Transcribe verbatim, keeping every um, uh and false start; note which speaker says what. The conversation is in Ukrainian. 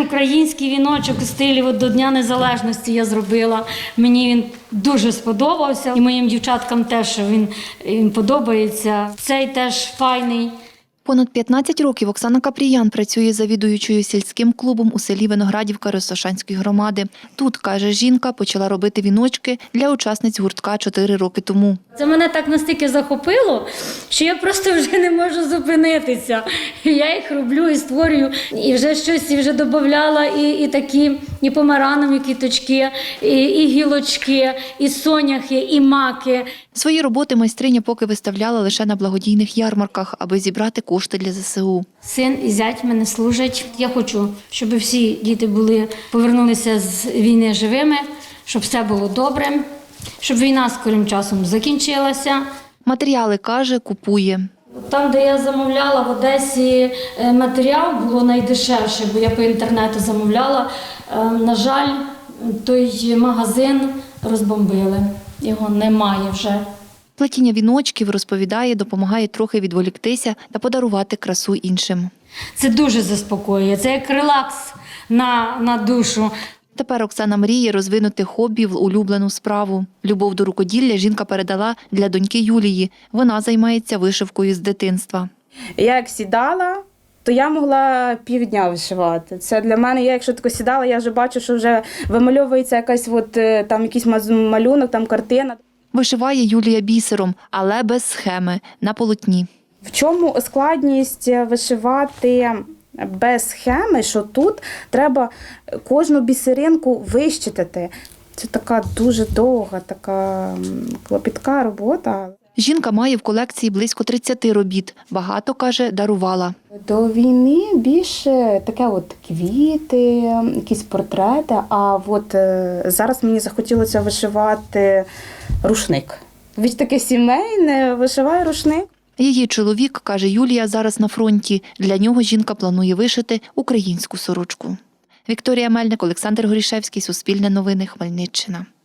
Speaker 1: український віночок у стилі от до Дня Незалежності я зробила. Мені він дуже сподобався. І моїм дівчаткам теж він, він подобається. Цей теж файний.
Speaker 2: Понад п'ятнадцять років Оксана Капріян працює завідуючою сільським клубом у селі Виноградівка Росошанської громади. Тут, каже жінка, почала робити віночки для учасниць гуртка чотири роки тому.
Speaker 1: Це мене так настільки захопило, що я просто вже не можу зупинитися. Я їх роблю і створюю, і вже щось і вже додавала, і, і такі, і помаранові квіточки, і, і гілочки, і соняхи, і маки.
Speaker 2: Свої роботи майстриня поки виставляла лише на благодійних ярмарках, аби зібрати кошти для зе се у.
Speaker 1: Син і зять мене служать. Я хочу, щоб всі діти були, повернулися з війни живими, щоб все було добре, щоб війна скорим часом закінчилася.
Speaker 2: Матеріали, каже, купує.
Speaker 1: Там, де я замовляла в Одесі матеріал, було найдешевше, бо я по інтернету замовляла. На жаль, той магазин розбомбили. Його немає вже.
Speaker 2: Плетіння віночків, розповідає, допомагає трохи відволіктися та подарувати красу іншим.
Speaker 1: Це дуже заспокоює, це як релакс на, на душу.
Speaker 2: Тепер Оксана мріє розвинути хобі в улюблену справу. Любов до рукоділля жінка передала для доньки Юлії. Вона займається вишивкою з дитинства.
Speaker 3: Я як сідала, то я могла півдня вишивати. Це для мене, я якщо тако сідала, я вже бачу, що вже вимальовується якась от, там якийсь малюнок, там картина.
Speaker 2: Вишиває Юлія бісером, але без схеми, на полотні.
Speaker 3: В чому складність вишивати без схеми, що тут треба кожну бісеринку вищитати. Це така дуже довга, така клопітка робота.
Speaker 2: Жінка має в колекції близько тридцяти робіт. Багато, каже, дарувала.
Speaker 3: До війни більше таке от квіти, якісь портрети, а от зараз мені захотілося вишивати рушник. Від таке сімейне, вишиваю рушник.
Speaker 2: Її чоловік, каже Юлія, зараз на фронті. Для нього жінка планує вишити українську сорочку. Вікторія Мельник, Олександр Горішевський, Суспільне новини, Хмельниччина.